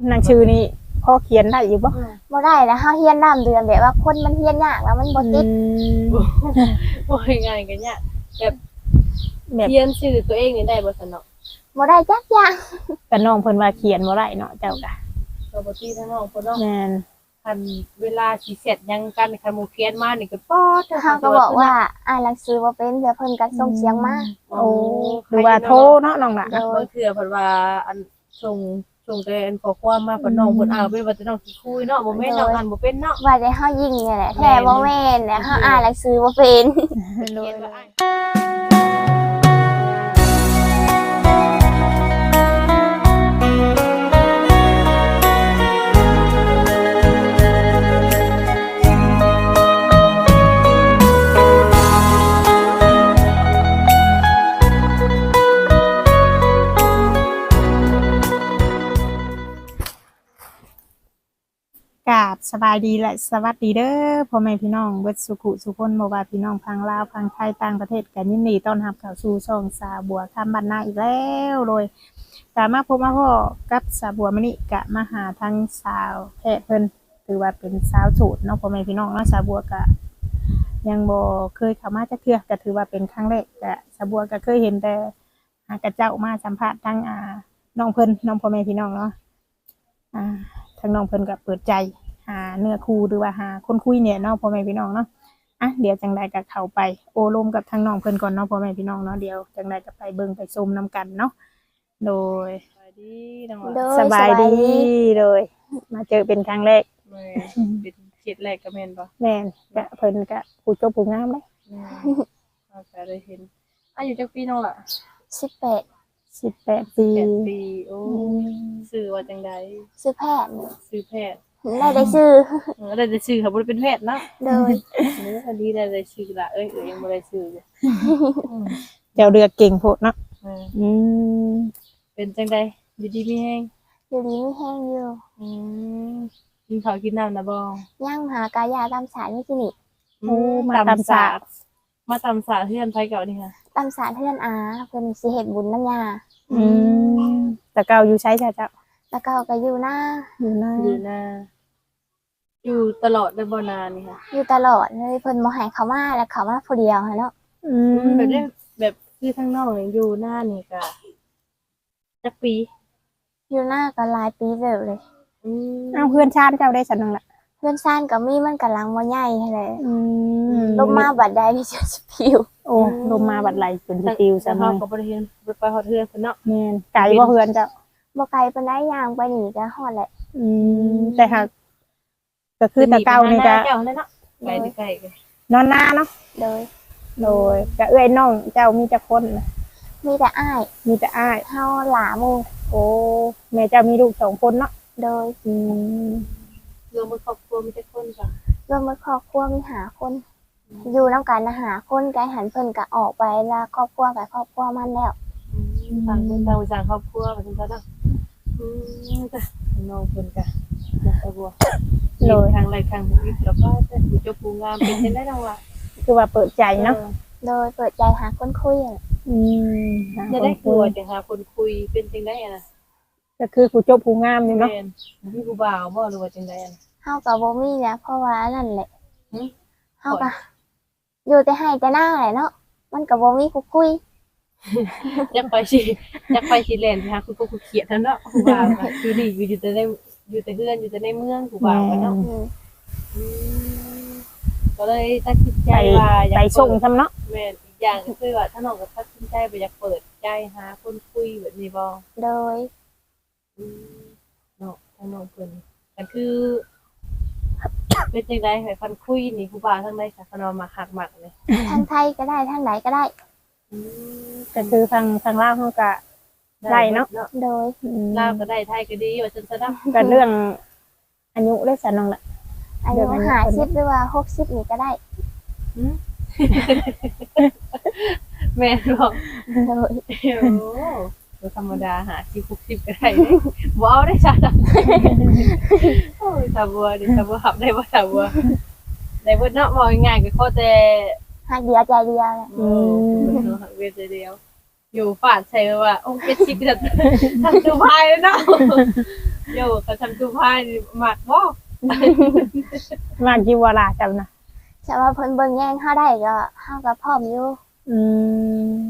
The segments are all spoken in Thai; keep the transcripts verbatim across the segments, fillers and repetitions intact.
หนังชื่อนี่พอเขียนได้อยู่บ่บ่ได้แล้วเฮาเฮียนน้ำเดือนแบบว่าคนมันเฮียนยากแล้วมันบ่ติดโอ้ยง่ายกันเนี่ยแบบเขียนชื่อตัวเองนี่ได้บ่ซั่นเนาะบ่ได้จักอย่างก็น้องเพิ่นว่าเขียนบ่ได้เนาะเจ้าก็ก็บ่ติทั้งน้องเพิ่นเนาะแม่นคันเวลาสิเสร็จยังกันคันหมู่เขียนมานี่ก็ป๊อดเฮาก็บอกว่าอ่านหนังสือบ่เป็นเดี๋ยวเพิ่นก็ส่งเสียงมาโอ้หรือว่าโทรเนาะน้องล่ะบางเทื่อเพิ่นว่าอันส่งส่งแต่อันขอความมาเพิ่นน้องเพิ่นอ่านเป็นว่าจะน้องสิคุยเนาะบ่แม่นน้องอ่านบ่เป็นเนาะว่าได้เฮายิงนี่แหละแท้บ่แม่นแล้วเฮาอ่านหนังสือบ่เป็นโดยกราบสบายดีและสวัสดีเด้อพ่อแม่พี่น้องเบิดสุขุสุคนบ่ว่าพี่น้องพังลาวพังไทยต่างประเทศกันยินดีต้อนรับเข้าสู่ช่องสาบัวคำบ้านนาอีกแล้วโดยสามารถพบมาพ่อกับสาบัวมื้อนี้กะมาหาทั้งสาวแพทย์เพิ่นถือว่าเป็นสาวโสดเนาะพ่อแม่พี่น้องเนาะสาบัวกะยังบ่เคยเข้ามาจักเทื่อก็ถือว่าเป็นครั้งแรกกะสาบัวก็เคยเห็นแต่หากระเจ้ามาสัมภาษณ์ทั้งอ่าน้องเพิ่นน้องพ่อแม่พี่น้องเนาะอ่าทั้งน้องเพิ่นก็เปิดใจหาเนื้อคู่หรือว่าหาคนคุยเนี่ยเนาะพ่อแม่พี่น้องเนาะอ่ะเดี๋ยวจังใดก็เข้าไปโอลมกับทางน้องเพิ่นก่อนเนาะพ่อแม่พี่น้องเนาะเดี๋ยวจังใดก็ไปเบิ่งไปชมนํกันเนาะโดยสบายดีน้องสบายดีโดยมาเจอเป็นครั้งแรกแม่เป็นเขตแรกก็แม่นบ่แม่นก็เพิ่นก็ผู้จบผู้งามเด้ก็ได้เห็นอายุจักปีน้องล่ะสิบแปดสิบแปดปีสิบแปดปีโอ้ชื่อว่าจังได๋ชื่อแพทย์ชื่อแพทย์ได้ได้ชื่อเออได้ได้ชื่อเขาบ่ได้เป็นแพทย์เนาะโดยเอออันนี้ได้ได้ชื่อละเอ้ยเอ้ยยังบ่ได้ชื่อเลยเจ้าเรือเก่งโพดเนาะอืมเป็นจังได๋อยู่ดีมีแฮงอยู่ดีมีแฮงอยู่อืมกินข้าวกินน้ำนะบ่ยังหากายาตามสารนี่สินี่โอ้มาตามศาสตร์มาตามศาสตร์เฮือนไผเก่านี่ค่ะตามสารเฮือนอาเพิ่นสิเฮ็ดบุญนำยาอืมแต่เก่าอยู่ใช้จ้ะเจ้าแต่เก่าก็อยู่หน้าอยู่หน้าอยู่หน้าอยู่ตลอดได้บ่นานนี่ค่ะอยู่ตลอดเลยเพิ่นบ่ให้เขามาแล้วเขามาผู้เดียวหั่นเนาะอืมแบบได้แบบคือทางนอกนี่อยู่หน้านี่ก็จักปีอยู่หน้าก็หลายปีเด้อเลยอืมอ้าวเพื่อนชาติเจ้าได้สันนึงล่ะเพื่อนซ่านก็มีมันก็หลังบ่ใหญ่แหละอืมลมมาบัดใดนี่จะสิปิวโอ้ลมมาบัดไหลเป็นสิปิวซะเฮาก็บ่ได้เห็นบ่ไปฮอดเฮือนเพิ่นเนาะแม่นไกลบ่เฮือนเจ้าบ่ไกลปานใดย่างไปนี่ก็ฮอดแหละอืมแต่หากก็คือแต่เก่านี่ก็เจ้าเนาะไกลไกลนอนนาเนาะโดยโดยก็เอื้อยน้องเจ้ามีจักคนมีแต่อ้ายมีแต่อ้ายเฮาหลาหมู่โอ้แม่เจ้ามีลูกสองคนเนาะโดยอืมรวมครอบครัวมีแต่คนจ้ะรวมครอบครัวมีห้าคนอยู่นำกันนะห้าคนไกหันเพิ่นก็ออกไปแล้วครอบครัวกับครอบครัวมันแล้วต่างคนต่างสร้างครอบครัวว่าจังซั่นเนาะอืมจ้ะน้องเพิ่นก็นะตะบัวโดยทางไรทางนี้แล้วก็จะผู้จบผู้งามเป็นจังได๋น้องว่าคือว่าเปิดใจเนาะโดยเปิดใจหาคนคุยอ่ะอืมจะได้กลัวจะหาคนคุยเป็นจังได๋น่ะก็คือผู้จบผู้งามนี่เนาะแม่นมีผู้บ่าวบ่หรือว่าจังได๋น่ะเฮาก็บ่มีนะเพราะว่านั่นแหละหึเฮาก็อยู่แต่ให้แต่หน้าแหละเนาะมันก็บ่มีผู้คุยอยากไปสิอยากไปสิแล่นไปหาคุณปู่คุณเขียดเนาะผู้บ่าวก็คือนี่อยู่แต่ในอยู่แต่เฮือนอยู่แต่ในเมืองผู้บ่าวก็เนาะอืมก็เลยตัดสินใจว่าอยากไปส่งซำเนาะแม่นอีกอย่างก็คือว่าถ้าน้องก็ตัดสินใจบ่อยากเปิดใจหาคนคุยแบบนี้บ่โดยอืมเนาะทางน้องเพิ่นก็คือเป็นจังได๋ให้ฟันคุยนี่ผู้บ่าวทางใดซะคันว่ามักฮักมักเลยทางไทยก็ได้ทางไหนก็ได้อืมก็คือทางทางลาวเฮาก็ได้เนาะโดยลาวก็ได้ไทยก็ดีว่าซั่นซะเนาะก็เรื่องอายุได้ซะน้องล่ะอายุห้าสิบหรือว่าหกสิบนี่ก็ได้หือแม่นบ่โดยโอ้บ่ธรรมดาห้าสิบ หกสิบก็ได้บ่เอาได้ซะโอ้ยตาบัวดิตาบัวรับได้บ่ตาบัวได้เบิดเนาะว่าง่ายๆก็ขอแต่ฮักเดียวใจเดียวแหละอืมฮักเดียวใจเดียวอยู่ฝาดใส่ว่าโอ้เจ็ดสิบก็ทันดูภายแล้วเนาะโยกับทำตู้ผ้านี่หมักบ่มากี่วาระจังนะแต่ว่าเพิ่นเบิ่งแย่งเฮาได้ก็เฮาก็พร้อมอยู่อืม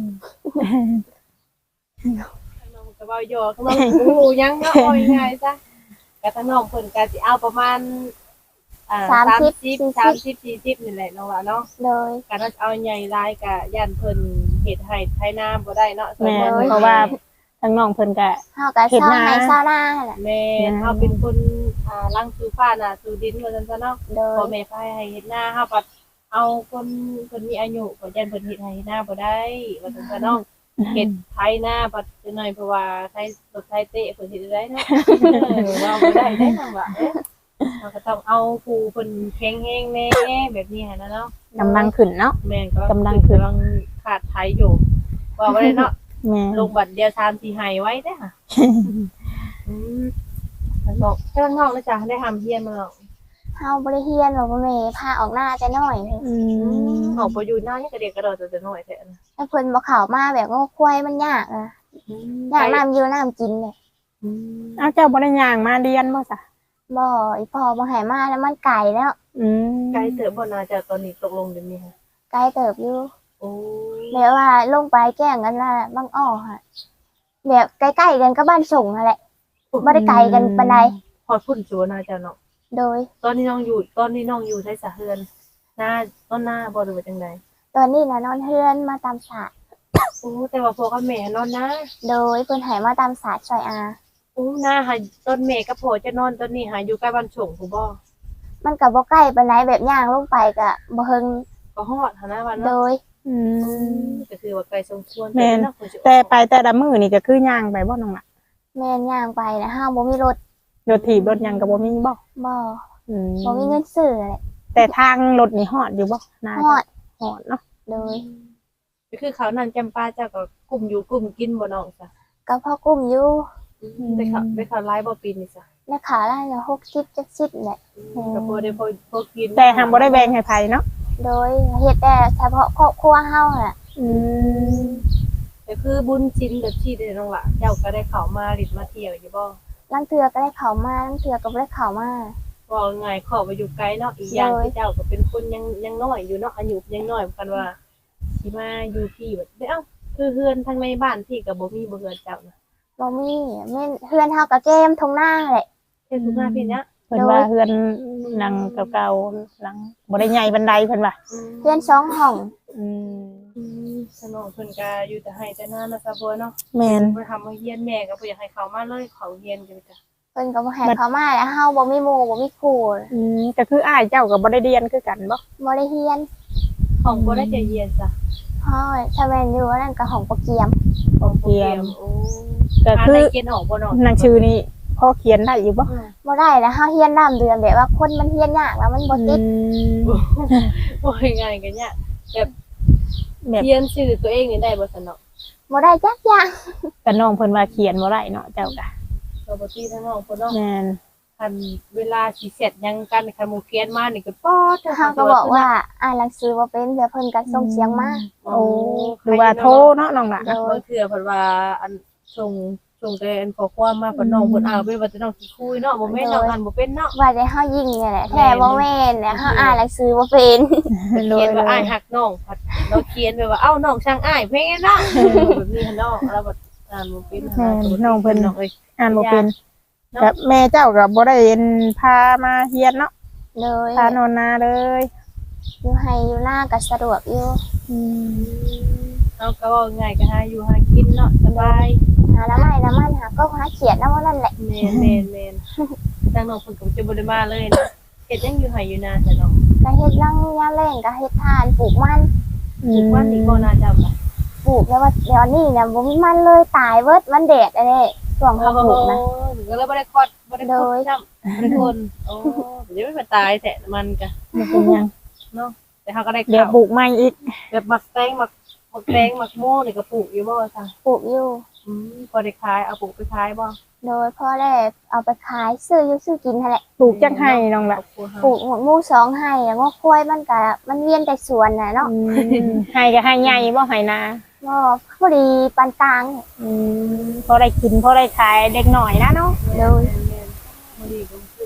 น้องก็เว้าโยก็บ่ฮู้ยังเนาะเอาง่ายๆซะก็ทางน้องเพิ่นก็สิเอาประมาณอ่าสามสิบ สามสิบ สี่สิบนี่แหละน้องว่าเนาะโดยการเอาใหญ่หลายก็ย่านเพิ่นเฮ็ดให้ไถนาบ่ได้เนาะแม่นเพราะว่าทางน้องเพิ่นก็เฮาก็เศร้าให้เศร้าหน้าแหละแม่นเฮาเป็นคนอ่าล้างสู่ฟ้าน่ะสู่ดินว่าซั่นซะเนาะโดพ่อย แม่พาให้เฮ็ดนาเฮาปัดเอาคนคนมีอายุก็ยันเพิ่นเฮ็ดให้เฮ็ดนาบ่ได้ว่าซั่นซะเนาะเฮ็ดไถนาปัดจังหน่อยเพราะว่าไถรถไถเตะเพิ่นเฮ็ดได้เนาะเออว่าบ่ได้ได้จังว่าเอ๊ะเราก็ต้องเอาผู้เพิ่นแข็งแรงแน่แบบนี้หั่นน่ะเนาะกำลังขึ้นเนาะแม่นก็กำลังขึ้นกำลังขาดไถอยู่ว่าบ่ได้เนาะแม่ลงบัตรเดียวสามสี่ให้ไว้เด้อค่ะอืมแล้วก็เจ้าน้องนะจ๊ะได้ทำเฮียนมาแล้วเฮาบ่ได้เฮียนบอกว่าแม่พาออกหน้าแต่น้อยอืมออกไปอยู่หน้านี่กระเดียกกระโดดจะน้อยแท้นะถ้าเพิ่นบ่เข้ามาแบบงอควายมันยากอ่ะยากน้ำอยู่น้ำกินเนี่ยอืมเอาเจ้าบ่ได้ย่างมาเรียนบ่ซะบ่อีพ่อบ่ให้มาแล้วมันไกลแล้วอืมไกลเติบบ่น่าจะตอนนี้ตกลงเดี๋ยวนี้ค่ะไกลเติบอยู่โอ้ยแบบว่าลงไปแกล้งกันละบางอ้อค่ะแบบใกล้ๆกันก็บ้านส่งนั่นแหละบ่ได้ไกลกันปานใดพอพุ่นชัวน่าจะเนาะโดยตอนนี้น้องอยู่ตอนนี้น้องอยู่ใช้สะเฮือนหน้าต้นหน้าบ่หรือว่าจังไดตอนนี้น่ะนอนเฮือนมาตามศาสตร์โอ้แต่ว่าพ่อกับแม่นอนนะโดยเพิ่นให้มาตามศาสตร์ช่วยอาโอ้หน้าหาต้นแม่กับพ่อจะนอนต้นนี้หาอยู่ใกล้บ้านส่งผู้บ่มันก็บ่ใกล้ปานใดแบบย่างลงไปก็บ่เฮิงก็ฮอดหาหน้าบ้านโดเนาะยอืมก็คือว่าไกลสมควรแม่นเนาะแต่ไปแต่ละมื้อนี่ก็คือย่างไปบ่น้องล่ะแม่นย่างไปนะห้าบ่มีรถรถถีบรถหยังก็บ่มีบ่บ่อืมบ่มีเงินซื้อแหละแต่ทางรถนี่ฮอดอยู่บ่น่าฮอดฮอดเนาะโดยก็คือเขานั่นจำปาเจ้าก็กลุ่มอยู่กลุ่มกินบ่น้องจ้ะก็พอกุ้มอยู่ได้เขาได้เขาไล่บ่ปีนี่จ้ะในขาได้ละหกสิบ เจ็ดสิบแหละก็พอได้พอพอกินแต่หังบ่ได้แบ่งให้ไผเนาะโดยเฮ็ดแต่เฉพาะครอบครัวเฮาน่ะอืมก็คือบุญชินแบบที่ได้น้องละเจ้าก็ได้เข้ามาลิดมาเที่ยวอยู่บ่ลางเทื่อก็ได้เข้ามาลางเทื่อก็บ่ได้เข้ามาว่าไงขอไปอยู่ไกลเนาะอีกอย่างที่เจ้าก็เป็นคนยังยังน้อยอยู่เนาะอายุยังน้อยเหมือนกันว่าสิมาอยู่ที่แบบเอ้าคือเฮือนทางในบ้านที่ก็บ่มีบ่เฮือนเจ้านะบ่มีแม่นเฮือนเฮาก็แก้มทงหน้าแหละเฮ็ดทุกหน้าพี่เนี้ยเพิ่นว่าเฮือนหลังเก่าๆหลังบ่ได้ใหญ่บันไดเพิ่นว่าเฮือนสองห้องอืมอืมสนองเพิ่นก็อยู่แต่ให้แต่หน้านะซะบ่เนาะแม่นบ่ทำมาเฮียนแม่ก็บ่อยากให้เขามาเลยเขาเฮียนกันจ้ะเพิ่นก็บ่ให้เข้ามาแล้วเฮาบ่มีหมู่บ่มีครูอืมก็คืออ้ายเจ้าก็บ่ได้เรียนคือกันบ่บ่ได้เฮียนของบ่ได้จะเฮียนจ้ะเฮาถ้าแม่นอยู่อันนั้นก็ห้องโปรเกียมของโปรแกรมโอ้ก็คือเขียนออกบ่เนาะหนังชื่อนี่พอเขียนได้อยู่บ่บ่ได้แล้วเฮาเฮียนน้ำเดือนแบบว่าคนมันเฮียนยากแล้วมันบ่ติดโอ้ยง่ายกันเนี่ยแบบแบบเขียนชื่อตัวเองนี่ได้บ่สนอกบ่ได้จักอย่างก็น้องเพิ่นว่าเขียนบ่ได้เนาะเจ้าก็เราบ่ตีทั้งน้องเพิ่นเนาะแม่นคันเวลาสิเสร็จยังกันคันหมู่เขียนมานี่ก็ป๊อดเฮาก็บอกว่าอ่านหนังสือบ่เป็นเดี๋ยวเพิ่นก็ส่งเสียงมาโอ้โอ้หรือว่าโทรเนาะน้องล่ะโดยบางเทื่อเพิ่นว่าอันส่งส่งแต่อันขอความมาเพิ่นน้องเพิ่นอ่านเป็นว่าจะน้องสิคุยเนาะบ่แม่นน้องอ่านบ่เป็นเนาะว่าได้เฮายิงเนี่ยแหละแท้บ่แม่นเนี่ยเฮาอ่านหนังสือบ่เป็นโดเขียยนว่าอ้ายฮักน้องพัดเราเขียนไปว่าเอ้าน้องช่างอ้ายแม่เนาะแบบนี้หั่นเนาะแล้วแบบอ่านบ่เป็นแม่นน้องเพิ่นน้องเอ้ยอ่านบ่เป็นเนาะกับแม่เจ้าก็บ่ได้เรียนพามาเรียนเนาะเลยพานอนนาเลยอยู่ให้อยู่หน้าก็สะดวกอยู่อืมเอาก็ว่าง่ายก็หาอยู่หากินเนาะสบายหาละไม้ละมันหาก็หาเขียนนำว่านั่นแหละแม่นแม่นแม่นทางน้องเพิ่นก็จะบ่ได้มาเลยนะเฮ็ดหยังอยู่ไห้อยู่นาแต่น้องก็เฮ็ดลังยามแรงก็เฮ็ดทานปลูกมันปลูกวันนี้บ่น่าจำล่ะปลูกแล้วว่าเดี๋ยวนี้เนี่ยบ่มีมันเลยตายเบิดมันแดดอันนี้ช่วงเขาปลูกนะก็เลยบ่ได้กอดบ่ได้คุยซ้ำบ่ได้คนโอ้เดี๋ยวมันตายแท้มันก็มันเป็นหยังเนาะแต่เฮาก็ได้เดี๋ยวข้าวปลูกใหม่อีกแบบหมักแตงหมักหมักแตงหมักโม่นี่ก็ปลูกอยู่บ่ซั่นปลูกอยู่อืมพอได้ขายเอาปลูกไปขายบ่โดยพ่อแรกเอาไปขายซื้ออยู่ซื้อกินนั่นแหละปลูกจังให้น้องล่ะปลูกหมดหมู่สองให้แล้วงอกกล้วยมันก็มันเวียนแต่สวนน่ะเนาะอืมให้ก็ให้ใหญ่บ่ให้นาก็พอดีปานกลางอืมพอได้กินพอได้ขายเด็กหน่อยนะเนาะโดย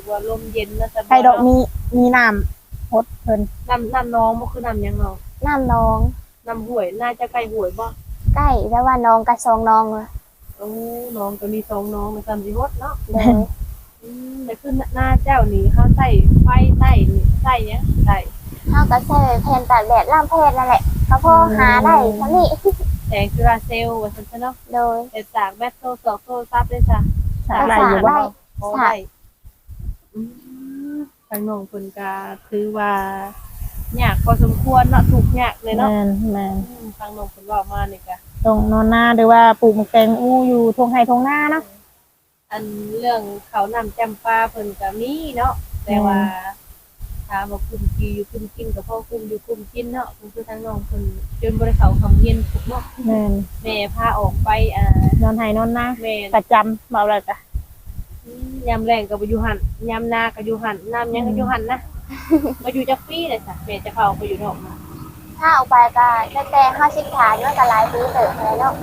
ว่าลมเย็นนะสบายไข่ดอกมีมีน้ำฮดเพิ่นน้ำน้ำน้องบ่คือน้ำหยังเนาะน้ำน้องน้ำห้วยน่าจะใกล้ห้วยบ่ใกล้แต่ว่าน้องกับสองน้องเลยโอ้น้องก็มีสองน้องมันซ้ำสิฮดเนาะโดยอืมแต่คือหน้าเจ้านี่เฮาใส่ไฟใต้นี่ใส่หยังใส่เฮาก็ใช้แผ่นตากแดดล่ามเพศนั่นแหละก็พอหาได้เท่านี้แสงจุลาเซลล์ว่าซั่นซะเนาะโดยแต่จากแบตโทรศัพท์โทรศัพท์ได้จ้ะสาได้อยู่บ่ได้พอได้อืมทางน้องเพิ่นก็ถือว่ายากพอสมควรเนาะทุกข์ยากเลยเนาะแม่นแม่นอืมทางน้องเพิ่นเว้ามานี่ก็ตรงนอนหน้าหรือว่าปลูกหมกแตงอู้อยู่ทงไห้ทงหน้าเนาะอันเรื่องเขาวนำจำปาเพิ่นก็มีเนาะแต่ว่าถามว่าคุมกีอยู่คุมกินก็พอคุมอยู่คุมกินเนาะเพิ่นคือทางน้องเพิ่นจนบ่ได้เข้าคำเรียนทุกเนาะแม่นแม่พาออกไปอ่านอนไห้นอนหน้าแม่ประจำเบาเลยจ้ะอืมยามแรงก็บ่อยู่หั่นยามนาก็อยู่หั่นน้ำยังก็อยู่หั่นนะบ่อยู่จักปีเลยจ้ะแม่จะเข้าไปอยู่นอกมาถ้าออกไปก็ตั้งแต่ห้าสิบฐานมันก็หลายปีเติบแล้วเนาะ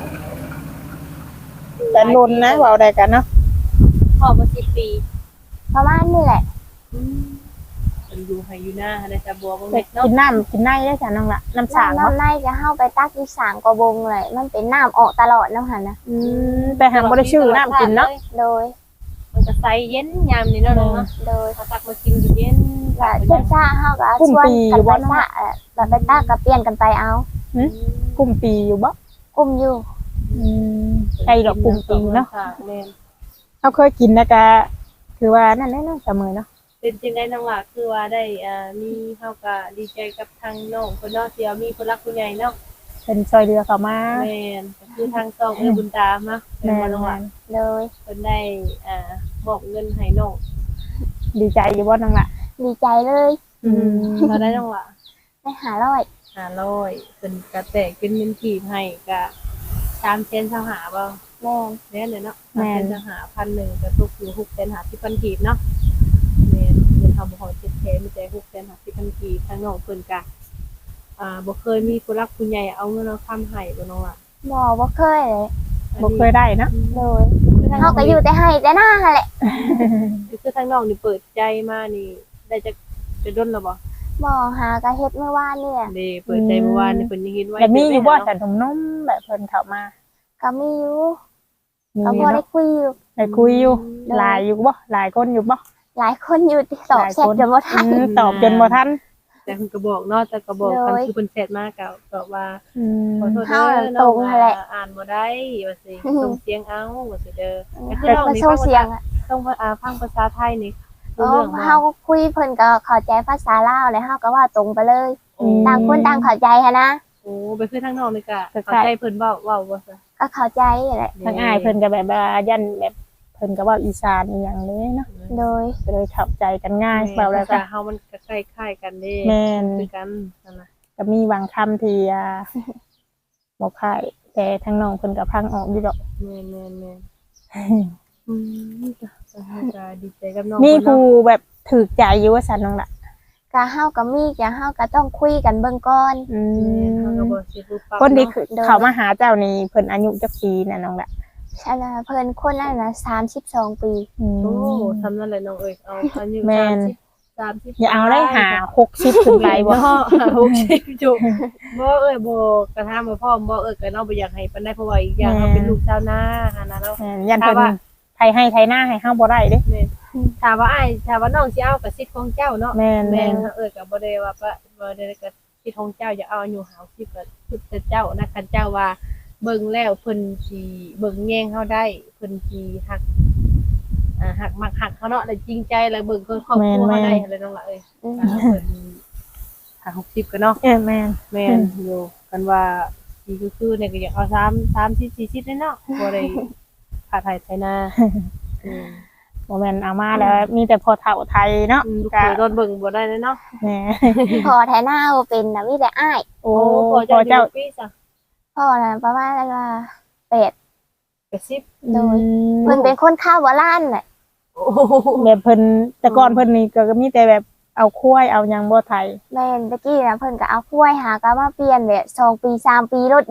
แต่ลนนะเบาได้กันเนาะพ่อมาสิบปีประมาณนี้แหละอืมมันอยู่ให้อยู่หน้าในจะบัวบ่แต่เม็ดเนาะกินน้ำกินไนได้จ้ะน้องละน้ำสางน้ำเนาะน้ำในก็เฮาไปตักอยู่สางกระบงเลยมันเป็นน้ำออกตลอดน้ำหันนะอืมแต่หางบ่ได้ชื่อน้ำกินเนาะโดยมันก็ใสเย็นยามนี่เนาะน้องเนาะโดยเขาตักมากินอยู่เย็นก็เจ็บซ่าเฮาก็ชวนกันไปซ่าเอ่อแบบไปตักก็เปลี่ยนกันไปเอากุมปีอยู่บ่กลุ่มอยู่อืมใช่ดอกกุมปีเนาะแม่นเขาเคยกินนะกะคือว่านั่นแหละเนาะเสมอเนาะเป็นจังได๋น้องหล่ะคือว่าได้อ่ามีเฮาก็ดีใจกับทางน้องเพิ่นเนาะที่ว่ามีผู้รักผู้ใหญ่เนาะเป็นซอยเรือเข้ามาแม่นก็คือทางซองเอ้ยบุญตามเนาะแม่แม่นบ่น้องหล่ะนโดยเพิ่นได้อ่ามอบเงินให้น้องดีใจอยู่บ่น้องละดีใจเลยอืมเท่าได้น้องหล่ะได้หาร้อยห้าร้อยเพิ่นก็แตกเป็นเงินกีบให้ก็สามเซนเท่าหาบ่แม่นแม่นเลยเนาะสามเซนเท่าหาพันหนึ่งก็ตกอยู่หกเซนหาสิบพันกีบเนาะแม่นเงินทำบ่ฮอดเจ็ดแสนมีแต่หกเซนหาสิบพันกีบทางน้องเพิ่นก็อ่าบ่เคยมีผู้รักผู้ใหญ่เอาเงินเอาคำให้บ่น้องล่ะบ่บ่เคยเลยบ่เคยได้เนาะโดยเฮาก็อยู่แต่ให้แต่หน้าหั่นแหละคือทางน้องนี่เปิดใจมานี่ได้จะจะดนแล้วบ่บ่หากะเฮ็ดเมื่อวานนี่แหละเด้เปิดใจเมื่อวานนี่เพิ่นยังเห็นไว้แล้วมีอยู่บ่เนาะสันทมนมแบบเพิ่นเข้ามาก็มีอยู่มีก็อพยู่อได้เนาะคุยอยู่ได้คุยอยู่ได้หลายอยู่บ่หลายคนอยู่บ่หลายคนอยู่ที่ตอบแชทจนบ่ทันอืมตอบจนบ่ทันแต่เพิ่นก็บอกเนาะแต่ก็บอกกันโดยคือเพิ่นแชทมาก็บอกว่าอืมขอโทษเฮาเด้อน่ะน้องตรงนั่นแหละอ่านบ่ได้ว่าสิอืมส่งเสียงเอาว่าสิเด้อแต่คือเฮ็ดน้องมานี่โชฟังว์เสียงอะต้องอ่าฟังภาษาไทยนี่อ๋รู้อเรื่องบ่เฮาก็คุยเพิ่นก็เข้าใจภาษาลาวแล้วเฮาก็ว่าตรงไปเลยโอ้ต่างคนต่างเข้าใจหันนะโอ้ไปคือทางน้องนี่ก็คล้ายๆเข้าใจเพิ่นเว้าเว้าบ่ซะก็เข้าใจแหละทางอ้ายเพิ่นก็แบบว่ายันแบบเพิ่นก็เว้าอีสานอีหยังเลยเนาะโดยก็เลยเข้าใจกันง่ายแม่เว้าแล้วภาก็ษาเฮามันก็คล้ายๆกันเด้แม่นคือกันนั่นน่ะก็มีบางคำที่อ่าบ่คล้ายแต่ทางน้องเพิ่นก็พังออกอยู่ดอกแม่นๆๆอืมจ้ะก็ดีใจกับน้องมีเพิ่นผู้เนาะแบบถูกใจอยู่ว่าซั่นน้องล่ะก็เฮาก็มีก็เฮาก็ต้องคุยกันเบิ่งก่อนอืแม่นเฮาก็มบ่สิรู้ปรับคนที่เนาะคือเขามาหาเจ้านี่เพิ่นอายุจักปีน่ะน้องล่ะอันน่ะเพิ่นคนนั้นน่ะสามสิบสองปีอืมโอ้ทำนั่นแหละน้องเอ้ยเอาอายุแม่นสามสิบอย่าเอาได้หาหกสิบขึ้นไปบ่เนาะหกสิบจุบ่เอ้ยบ่กระทำบ่พ่อบ่เอ้ยก็น้องบ่อยากให้ปานใดเพราะว่าอีกอย่างเราเป็นลูกชาวนาหั่นน่ะเนาะแม่นยันเพิ่นถ้าว่าไทยให้ไทยหน้าให้เฮาบ่ได้เด้แม่นถ้าว่าอ้ายถ้าว่าน้องสิเอาก็สิทธิ์ของเจ้าเนาะแม่นแม่แม่นนเอ้ยก็บ่ได้ว่าปะบ่ได้ก็สิทธิ์ของเจ้าอย่าเอาอายุห้าสิบก็สุดแต่เจ้านะคันเจ้าว่าเบิ่งแล้วเพิ่นสิเบิ่งแยงเฮาได้เพิ่นสิฮักอ่าฮักมักฮักเขาเนาะแล้วจริงใจแล้วเบิ่งคนครอบครัวเฮาได้อะไรน้องล่ะเอ้ยอืมอ่าเพิ่นหาหกสิบกันเนาะเออแม่นแม่นอยู่กันว่าสิคือๆเนี่ยก็อยากเอาสาม สามสิบ สี่สิบเลยเนาะบ่ได้ขาดไทยไทยนาอืมบ่แม่นเอามาแล้วมีแต่พอเฒ่าไทยเนาะอืมลูกก็เขยโดนเบิ่งบ่ได้เลยเนาะแหมพอแทหน้าบ่เป็นน่ะมีแต่อ้ายโอ้พอพอเจ้าเจ้าอยู่ปีซะพ่อน่ะประมาณว่าแปดแปดสิบโดยอืมเพิ่นเป็นคนข้าวโบราณน่ะโอ้โหแบบเพิ่นแต่ก่อนเพิ่นนี่ก็มีแต่แบบเอาควายเอาหยังบ่ไทยแม่นตะกี้น่ะเพิ่นก็เอากล้วยหาก็มาเปลี่ยนแหละสองปีสามปีรถนี่แหละ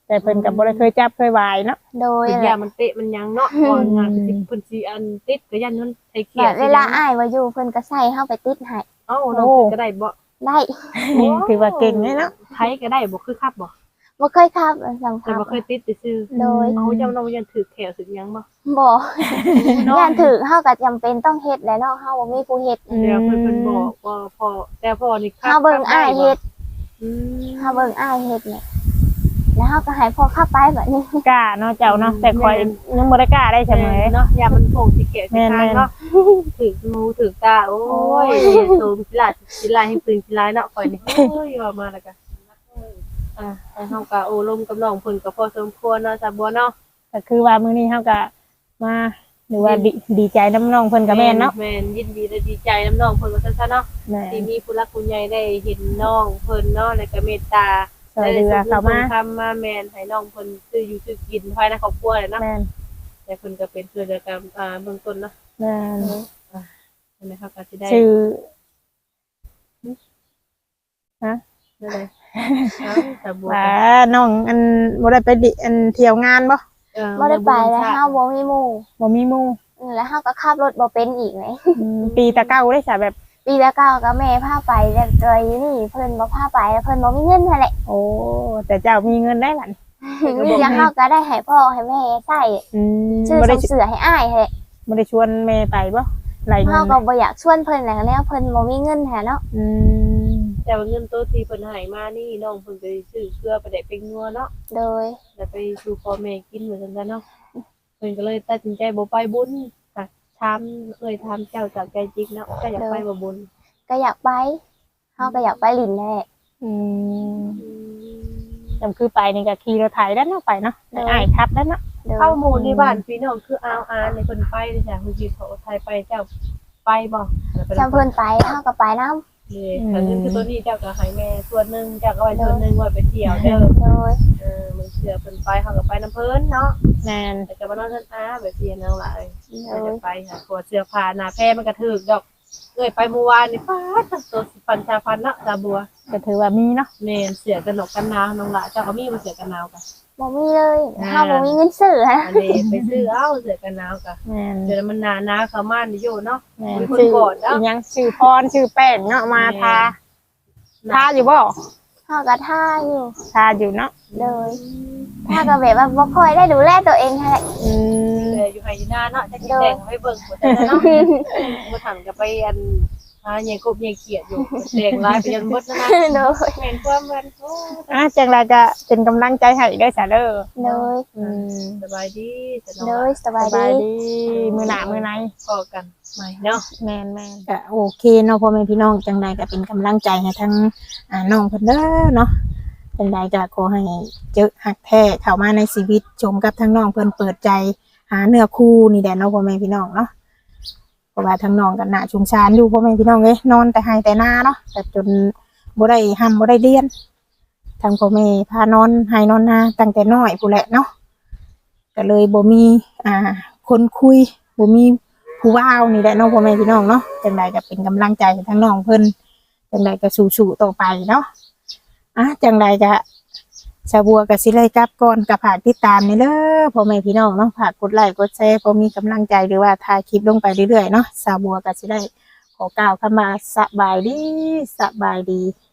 แต่เพิ่นก็บ่ได้เคยจับเคยวายเนาะโดยเป็นแหยาละมันเตะมันยังเนาะก่อนงานสิเพิ่นสิอันติดก็ยันมันไอ้เขีแบยบเวลาอ้ายว่าอยู่เพิ่นก็ใส่เฮาไปติดให้เอ้าน้องเพิ่นก็ได้บ่ได้ถือว่าเก่งเลยเนาะไทยก็ได้บ่คือครับบ่บ่เคยขับสำแต่คัญบ่เคยติดซื่อโดยๆเอาเจ้าน้องยันถือแขวสึกยังบ่บ่ย่านถึกเฮาก็จำเป็นต้องเฮ็ดแหละเนาะเฮาบ่มีผู้เฮ็ดเดี๋ยวเพิ่นเพิ่นบอกว่าพอแต่พอนี่ครับเฮาเบิ่งอ้ายเฮ็ดอืมเฮาเบิ่งอ้ายเฮ็ดเนี่ยแล้วเฮาก็ให้พ่อขับไปแบบนี้กล้าเนาะเจ้าเนาะแต่คอยยังบ่ได้กล้าได้เสมอเนาะยามันโป่งสิแขวสิทางเนาะถืองูถือตาโอ้ยสูงสิลาสิลายให้ปืนสิลายเนาะข่อยนี่เอ้ยว่ามาแล้วก็อ่ะให้เฮาก็โอ้ลมกับน้องเพิ่นก็พอสมควรเนาะจ้ะบัวเนาะก็คือว่ามื้อนี้เฮาก็มาหรือว่าดีดีใจน้ำน้องเพิ่นก็แม่นเนาะแม่นยินดีและดีใจน้ำน้องเพิ่นว่าซั่นๆเนาะแม่ที่มีผู้รักผู้ใหญ่ได้เห็นน้องเพิ่นเนาะแล้วก็เมตตาซอยเรือเข้ามาทำมาแม่นให้น้องเพิ่นซื้ออยู่ซื้อกินภายในครอบครัวเลยเนาะแม่นแต่เพิ่นก็เป็นเพื่อนกันอ่าเบื้องต้นเนาะแม่นใช่ไหมครับก็สิได้ชื่อนั่นเลยเอ้าแต่บัวว่าน้องอันบ่ได้ไปดิอันเที่ยวงานบ่เออบ่ได้ไปแล้วเฮาบ่มีหมู่บ่มีหมู่อือแล้วเฮาก็ขับรถบ่เป็นอีกเลยอืมปีตะเก้าได้ซะแบบปีละเก้าก็แม่พาไปแต่จอยอยู่นี่เพิ่นบ่พาไปเพิ่นบ่มีเงินนั่นแหละโอ้แต่เจ้ามีเงินได้หลันมีหยังเฮาก็ได้ให้พ่อให้แม่ใช้อืมชื่อบ่ได้ส่งเสือให้อ้ายแหละบ่ได้ชวนแม่ไปบ่ไหลเงิเฮาน ก็บ่อยากชวนเพิ่นแหละแล้วเพิ่นบ่มีเงินแหละเนาะอืมแต่ว่าเงินตัวที่เพิ่นให้มานี่น้องเพิ่นไปซื้อเพื่อไปได้เป็นนัวเนาะโดยแล้วไปสู่พ่อแม่กินเหมือนกันเนาะเพิ่นก็เลยตัดสินใจบ่ไปบุญค่ะถามเอ่ยถามเจ้าจากใจจริงเนาะก็อยากไปบ่บุญก็อยากไปเฮาก็อยากไปลินแหละอืมจำคือไปนี่ก็ขี่รถไถแล้วเนาะไปเนาะได้อ้ายขับแล้วเนาะโดยเข้าหมู่ในบ้านพี่น้องคืออาวอานในคนไปเลยจ้ะคือจีเขาไทยไปเจ้าไปบ่จำเพิ่นไปเฮาก็ไปนำเลยแต่เงินคือตัวนี้เจ้าก็ให้แม่ส่วนหนึงเจ้าก็ไว้ส่วนหนึงไว้ไปเที่ยวเด้อโดยเออมันเชื่อเพิ่นไปเฮาก็ไปน้ำเพิ่นเนาะแม่นแต่ก็บ่นอนเพิ่นอาแบบเสียนางหลายโดก็ยจะไปค่ะกลัวเสื้อผ้าหน้าแพร่มันก็ถึกดอกเอ้ยไปเมื่อวานนี่ฟ้าทั้งตัวสิพันชาพันเนาะตาบัวก็ถือว่ามีเนาะแม่นเสือกันหนกกันหนาวน้องหละเจ้าก็มีบ่เสือกันหนาวกะบ่มีเลยอ่าเฮาบ่มีเงินซื้อฮะอันนี้ไปซื้อเอาเสือกันหนาวกะแม่นเดี๋ยวมันหนาหนาวเข้ามานี่อยู่เนาะแม่นมีคนชื่อกดเนาะอีหยังชื่อพรชื่อแป้งเนาะมาทาทาอยู่บ่เฮาก็ท่าอยู่ทาอยู่เนาะโดยถ้าก็แบบว่าบ่ค่อยได้ดูแลตัวเองนั่นแหละอืมเลยอยู่ไห้อยู่หน้าเนาะจะกินแดงให้เบิ่งหมดแล้วเนาะบ่ทันก็ไปอันหาใหญ่กบใหญ่เขียดอยู่แดงลายไปจนหมดแล้วนะโดยแม่นความมันโอ้อ่ะจังไรก็เป็นกำลังใจให้ได้อจ้ะเด้อโดยอืมสบายดีสโดบายยสสบายบายดีดีมือหนามือไหนพอกันใหม่เนาะแม่นแม่นก็โอเคเนาะพ่อแม่พี่น้องจังใดก็เป็นกำลังใจให้ทั้งอ่าน้องเพิ่นเด้อเนาะจังใดก็ขอให้เจอหักแท้เข้ามาในชีวิตชมกับทั้งน้องเพิ่นเปิดใจหาเนื้อคู่นี่แหละเนาะพ่อแม่พี่น้องเนาะเพราะว่าทั้งน้องกันน่ะชุมชานอยู่พ่อแม่พี่น้องเอ้ยนอนแต่ให้แต่หน้าเนาะแต่จนบ่ได้ห้ำบ่ได้เรียนทางพ่อแม่พานอนให้นอนนาตั้งแต่น้อยพู้นแหละเนาะก็เลยบ่มีอ่าคนคุยบ่มี ผู้ว่าวนี่แหละเน้องพ่อแม่พี่น้องเนาะจังใดก็เป็นกำลังใจให้ทั้งน้องเพิ่นจังใดก็สู้ๆต่อไปเนาะอ่ะจังใดก็ชาวบัวก็สิเลยกลับก่อนก็ฝากติดตามนี่เด้อพ่อแม่พี่น้องเนาะฝากกดไลค์กดแชร์พอมีกำลังใจหรือว่าถ่ายคลิปลงไปเรื่อยๆเนาะชาวบัวก็สิได้ขอกล่าวคำว่าสบายดีสบายดี